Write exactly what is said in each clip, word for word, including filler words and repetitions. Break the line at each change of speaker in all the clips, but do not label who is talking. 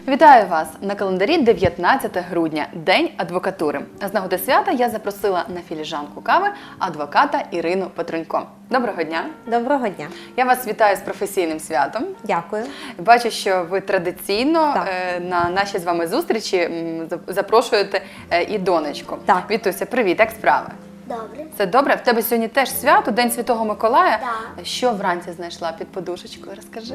Вітаю вас! На календарі дев'ятнадцяте грудня, День адвокатури. З нагоди свята я запросила на філіжанку кави адвоката Ірину Петрунько. Доброго дня!
Доброго дня!
Я вас вітаю з професійним святом.
Дякую.
Бачу, що ви традиційно
Так.
на наші з вами зустрічі м, запрошуєте і донечку.
Так.
Вітуся, привіт, як справи?
Добре.
Це добре? В тебе сьогодні теж свято, День Святого Миколая.
Так.
Що вранці знайшла під подушечкою? Розкажи.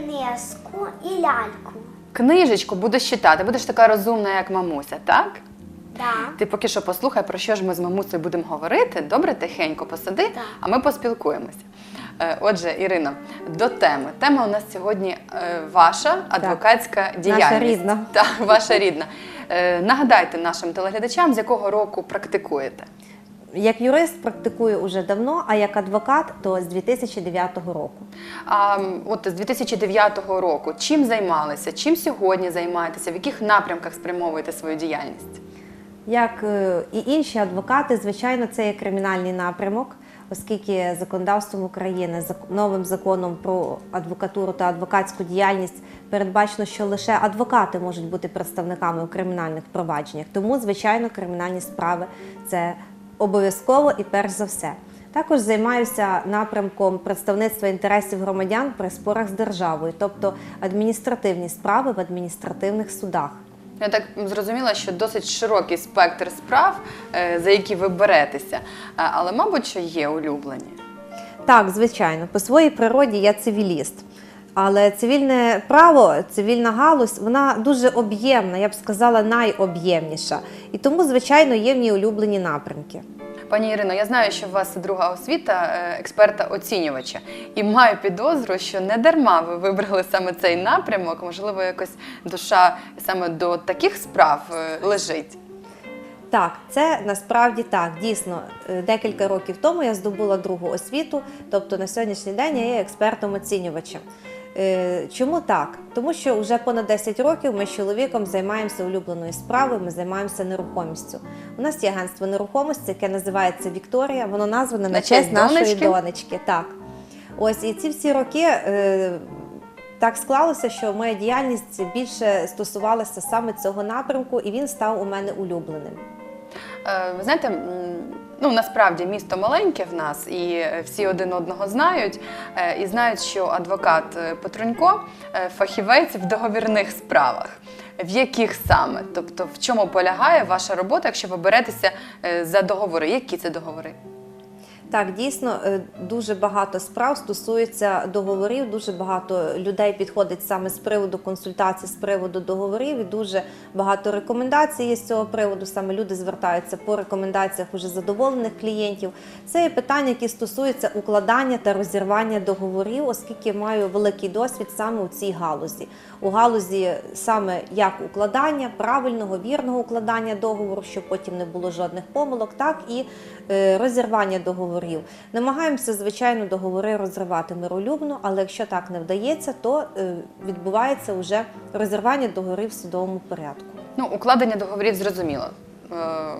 Книжку і ляльку.
Книжечку будеш читати, будеш така розумна, як мамуся, так?
Да.
Ти поки що послухай, про що ж ми з мамусею будемо говорити. Добре, тихенько посиди,
Так.
а ми поспілкуємося. Е, Отже, Ірино, до теми. Тема у нас сьогодні е, ваша адвокатська діяльність.
Наша рідна.
Так, ваша рідна. Е, Нагадайте нашим телеглядачам, з якого року практикуєте.
Як юрист практикую уже давно, а як адвокат – то з дві тисячі дев'ятого року.
А м, от з дві тисячі дев'ятого року чим займалися, чим сьогодні займаєтеся, в яких напрямках спрямовуєте свою діяльність?
Як е, і інші адвокати, звичайно, це є кримінальний напрямок, оскільки законодавством України, зак- новим законом про адвокатуру та адвокатську діяльність передбачено, що лише адвокати можуть бути представниками у кримінальних провадженнях. Тому, звичайно, кримінальні справи – це обов'язково і перш за все. Також займаюся напрямком представництва інтересів громадян при спорах з державою, тобто адміністративні справи в адміністративних судах.
Я так зрозуміла, що досить широкий спектр справ, е, за які ви беретеся, Е, але, мабуть, що є улюблені.
Так, звичайно, по своїй природі я цивіліст. Але цивільне право, цивільна галузь, вона дуже об'ємна, я б сказала, найоб'ємніша. І тому, звичайно, є в ній улюблені напрямки.
Пані Ірино, я знаю, що у вас друга освіта е, експерта-оцінювача. І маю підозру, що не дарма ви вибрали саме цей напрямок. Можливо, якось душа саме до таких справ е, лежить.
Так, це насправді так, дійсно. Е, Декілька років тому я здобула другу освіту, тобто на сьогоднішній день я є експертом-оцінювачем. Е, Чому так? Тому що вже понад десять років ми з чоловіком займаємося улюбленою справою, ми займаємося нерухомістю. У нас є агентство нерухомості, яке називається «Вікторія», воно назване на,
На
честь
честь
нашої
донечки?
донечки. Так. Ось, і ці всі роки е, так склалося, що моя діяльність більше стосувалася саме цього напрямку, і він став у мене улюбленим.
Е, Ви знаєте, м, ну насправді місто маленьке в нас, і всі один одного знають. е, І знають, що адвокат е, Петрунько е, фахівець в договірних справах. В яких саме? Тобто, в чому полягає ваша робота, якщо ви беретеся е, за договори? Які це договори?
Так, дійсно, е, дуже багато справ стосується договорів, дуже багато людей підходить саме з приводу консультацій, з приводу договорів, і дуже багато рекомендацій є з цього приводу. Саме люди звертаються по рекомендаціях уже задоволених клієнтів. Це є питання, які стосуються укладання та розірвання договорів, оскільки маю великий досвід саме у цій галузі. У галузі саме як укладання, правильного, вірного укладання договору, щоб потім не було жодних помилок, так і е, розірвання договорів. Намагаємося, звичайно, договори розривати миролюбно, але якщо так не вдається, то е, відбувається вже розірвання договорів в судовому порядку.
Ну, укладення договорів зрозуміло. Е,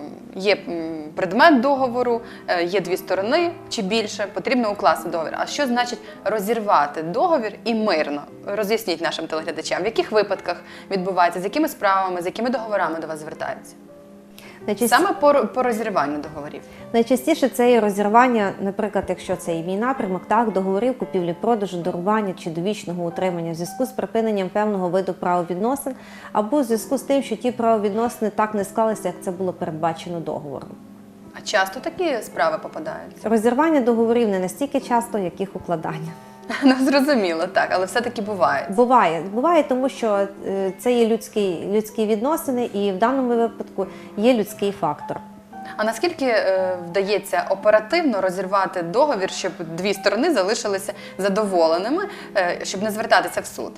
Є м, предмет договору, е, є дві сторони чи більше, потрібно укласти договір. А що значить розірвати договір і мирно? Роз'ясніть нашим телеглядачам, в яких випадках відбувається, з якими справами, з якими договорами до вас звертаються?
Найчасті-
Саме по, по розірванню договорів.
Найчастіше це є розірвання, наприклад, якщо це і мій напрямок, так, договорів купівлі-продажу, дарування чи довічного утримання в зв'язку з припиненням певного виду правовідносин або в зв'язку з тим, що ті правовідносини так не склалися, як це було передбачено договором.
А часто такі справи попадаються?
Розірвання договорів не настільки часто, як їх укладання.
Ну, зрозуміло, так, але все-таки буває.
Буває, буває, тому що е, це є людські, людські відносини, і в даному випадку є людський фактор.
А наскільки е, вдається оперативно розірвати договір, щоб дві сторони залишилися задоволеними, е, щоб не звертатися в суд?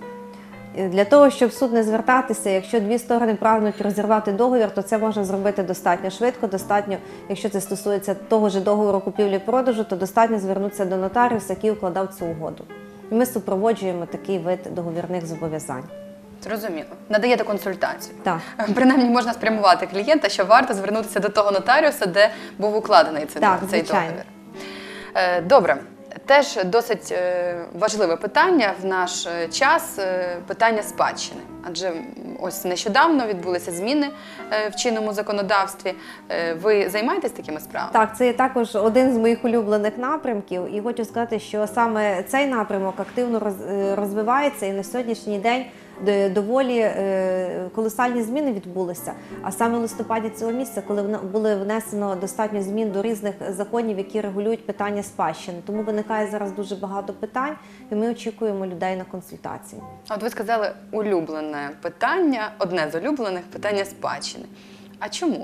Для того, щоб в суд не звертатися, якщо дві сторони прагнуть розірвати договір, то це можна зробити достатньо швидко, достатньо, якщо це стосується того ж договору купівлі-продажу, то достатньо звернутися до нотаріуса, який укладав цю угоду. І ми супроводжуємо такий вид договірних зобов'язань.
Зрозуміло. Надаєте консультацію.
Так.
Принаймні можна спрямувати клієнта, що варто звернутися до того нотаріуса, де був укладений цей,
Так,
цей
звичайно.
договір. Е, Добре. Теж досить е, важливе питання в наш е, час е, – питання спадщини. Адже м, ось нещодавно відбулися зміни е, в чинному законодавстві. Е, Ви займаєтесь такими справами?
Так, це є також один з моїх улюблених напрямків, і хочу сказати, що саме цей напрямок активно роз- е, розвивається, і на сьогоднішній день де- доволі е, колосальні зміни відбулися. А саме в листопаді цього місяця, коли вна- були внесено достатньо змін до різних законів, які регулюють питання спадщини. Тому виникає зараз дуже багато питань, і ми очікуємо людей на консультації.
А От ви сказали улюблене питання, одне з улюблених – питання спадщини. А чому?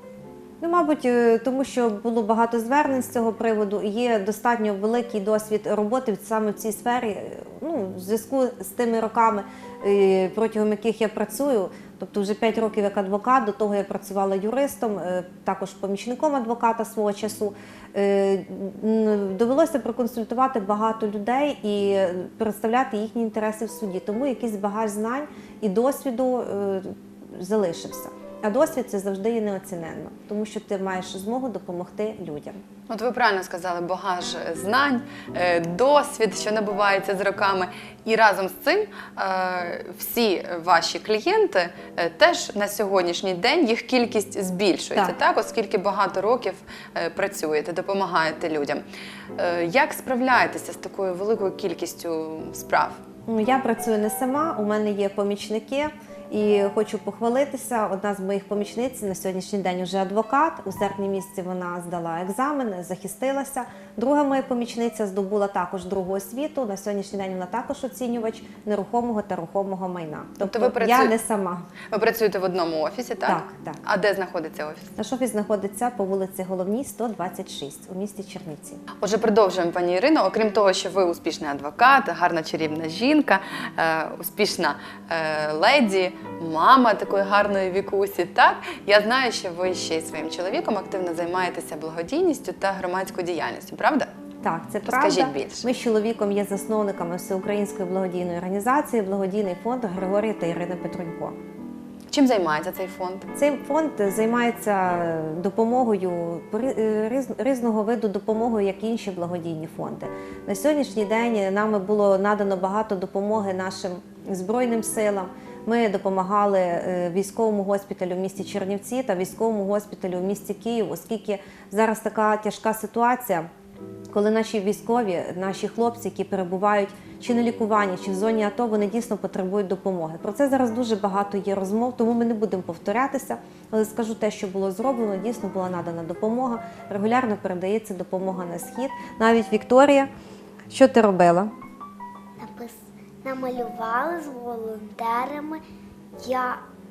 Ну, мабуть, е, тому що було багато звернень з цього приводу, і є достатньо великий досвід роботи саме в цій сфері. е, Ну, в зв'язку з тими роками, е, протягом яких я працюю, тобто вже п'ять років як адвокат, до того я працювала юристом, е, також помічником адвоката свого часу. Е, м, Довелося проконсультувати багато людей і представляти їхні інтереси в суді, тому якийсь багаж знань і досвіду е, залишився. А досвід – це завжди є неоціненно, тому що ти маєш змогу допомогти людям.
От ви правильно сказали, багаж знань, е, досвід, що набувається з роками. І разом з цим е, всі ваші клієнти е, теж на сьогоднішній день їх кількість збільшується,
Так.
так, оскільки багато років е, працюєте, допомагаєте людям. Е, Як справляєтеся з такою великою кількістю справ?
Ну, я працюю не сама, у мене є помічники. І хочу похвалитися, одна з моїх помічниць на сьогоднішній день вже адвокат. У серпні місяці вона здала екзамен, захистилася. Друга моя помічниця здобула також другу освіту. На сьогоднішній день вона також оцінювач нерухомого та рухомого майна. Тобто,
ви
я
працюєте-
не сама.
Ви працюєте в одному офісі, так?
Так, так.
А де знаходиться офіс?
Наш офіс знаходиться по вулиці Головній, сто двадцять шість у місті Чернівці.
Отже, продовжуємо, пані Ірино. Окрім того, що ви успішний адвокат, гарна чарівна жінка, е, успішна е, леді, мама такої гарної вікусі, так? Я знаю, що ви ще й своїм чоловіком активно займаєтеся благодійністю та громадською діяльністю, правда?
Так, це
Розкажіть
правда.
більше.
Ми з чоловіком є засновниками Всеукраїнської благодійної організації «Благодійний фонд Григорія та Ірини Петрунько».
Чим займається цей фонд?
Цей фонд займається допомогою, різ- різного виду допомогою, як і інші благодійні фонди. На сьогоднішній день нами було надано багато допомоги нашим Збройним силам. Ми допомагали е, військовому госпіталю в місті Чернівці та військовому госпіталю в місті Київ, оскільки зараз така тяжка ситуація, коли наші військові, наші хлопці, які перебувають чи на лікуванні, чи в зоні АТО, вони дійсно потребують допомоги. Про це зараз дуже багато є розмов, тому ми не будемо повторятися, але скажу те, що було зроблено, дійсно була надана допомога, регулярно передається допомога на схід. Навіть Вікторія, що ти робила?
Напис... Намалювали з волонтерами. Я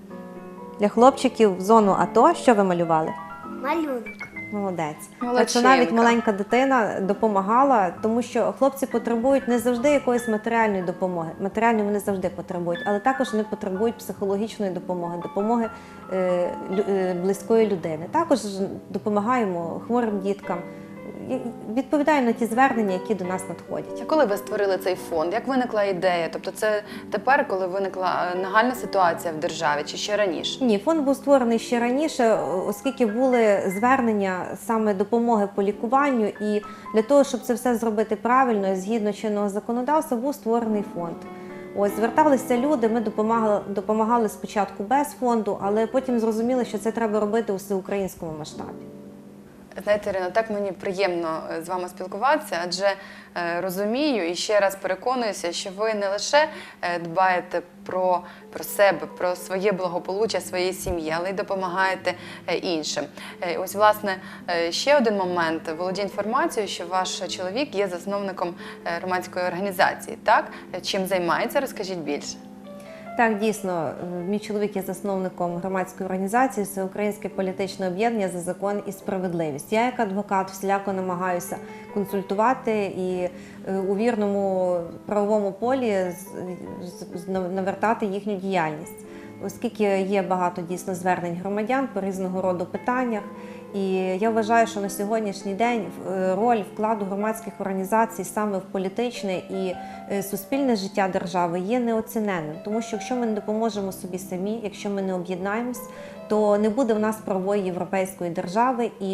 Для хлопчиків в зону АТО що ви малювали?
малюнок.
Молодець.
Молодчинка.
Так що навіть маленька дитина допомагала, тому що хлопці потребують не завжди якоїсь матеріальної допомоги. Матеріальної вони завжди потребують, але також вони потребують психологічної допомоги, допомоги е, лю- е, близької людини. Також допомагаємо хворим діткам, і відповідаємо на ті звернення, які до нас надходять.
А коли ви створили цей фонд? Як виникла ідея? Тобто це тепер, коли виникла е, нагальна ситуація в державі, чи ще раніше?
Ні, фонд був створений ще раніше, оскільки були звернення саме допомоги по лікуванню, і для того, щоб це все зробити правильно, згідно чинного законодавства, був створений фонд. Ось, зверталися люди, ми допомагали, допомагали спочатку без фонду, але потім зрозуміли, що це треба робити у всеукраїнському масштабі.
Знаєте, Ірино, так мені приємно е, з вами спілкуватися, адже е, розумію і ще раз переконуюся, що ви не лише е, дбаєте про, про себе, про своє благополуччя, своєї сім'ї, але й допомагаєте е, іншим. Е, ось, власне, е, ще один момент. Володію інформацією, що ваш чоловік є засновником е, громадської організації, так? Е, Чим займається? Розкажіть більше.
Так, дійсно, мій чоловік є засновником громадської організації «Всеукраїнське політичне об'єднання за закон і справедливість». Я як адвокат всіляко намагаюся консультувати і е, у вірному правовому полі з- з- з- навертати їхню діяльність. Оскільки є багато дійсно звернень громадян по різного роду питаннях. І я вважаю, що на сьогоднішній день е, роль вкладу громадських організацій саме в політичне і е, суспільне життя держави є неоціненним. Тому що якщо ми не допоможемо собі самі, якщо ми не об'єднаємось, то не буде в нас правової європейської держави, і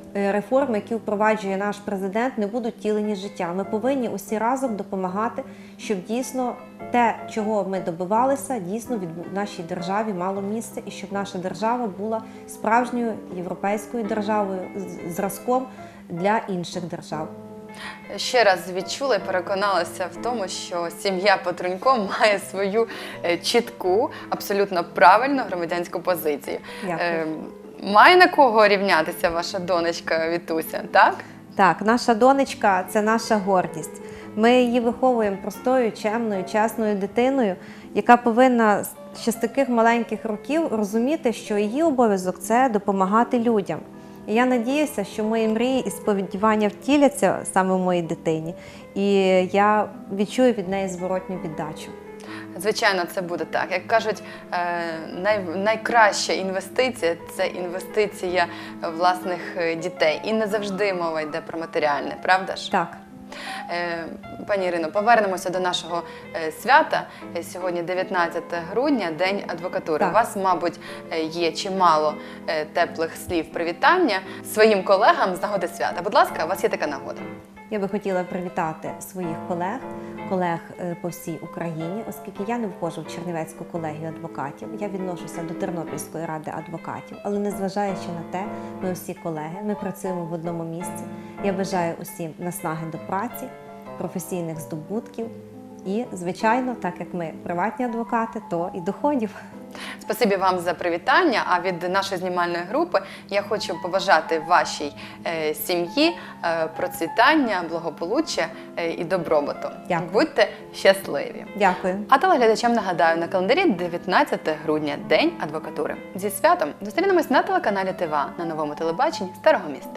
е, реформи, які впроваджує наш президент, не будуть втілені в життя. Ми повинні усі разом допомагати, щоб дійсно те, чого ми добивалися, дійсно від в нашій державі мало місце, і щоб наша держава була справжньою європейською державою, з- зразком для інших держав.
Ще раз відчула і переконалася в тому, що сім'я Петрунько має свою е, чітку, абсолютно правильну громадянську позицію.
Дякую.
Е, Має на кого рівнятися ваша донечка Вітуся, так?
Так, наша донечка – це наша гордість. Ми її виховуємо простою, чемною, чесною дитиною, яка повинна ще з таких маленьких років розуміти, що її обов'язок – це допомагати людям. І я надіюся, що мої мрії і сподівання втіляться саме в моїй дитині, і я відчую від неї зворотню віддачу.
Звичайно, це буде так. Як кажуть, е, най, найкраща інвестиція – це інвестиція власних е, дітей. І не завжди мова йде про матеріальне, правда ж?
Так.
Е, Пані Ірино, повернемося до нашого е, свята. Е, Сьогодні дев'ятнадцяте грудня, День адвокатури.
Так.
У вас, мабуть, е, є чимало е, теплих слів привітання своїм колегам з нагоди свята. Будь ласка, у вас є така нагода.
Я би хотіла привітати своїх колег, колег е, по всій Україні, оскільки я не входжу в Чернівецьку колегію адвокатів, я відношуся до Тернопільської ради адвокатів, але незважаючи на те, ми всі колеги, ми працюємо в одному місці. Я бажаю усім наснаги до праці, професійних здобутків і, звичайно, так як ми приватні адвокати, то і доходів.
Спасибі вам за привітання. А від нашої знімальної групи я хочу побажати вашій е, сім'ї е, процвітання, благополуччя е, і добробуту.
Дякую.
Будьте щасливі.
Дякую.
А телеглядачам нагадаю, на календарі дев'ятнадцяте грудня, День адвокатури. Зі святом зустрінемось на телеканалі ТВА на новому телебаченні Старого міста.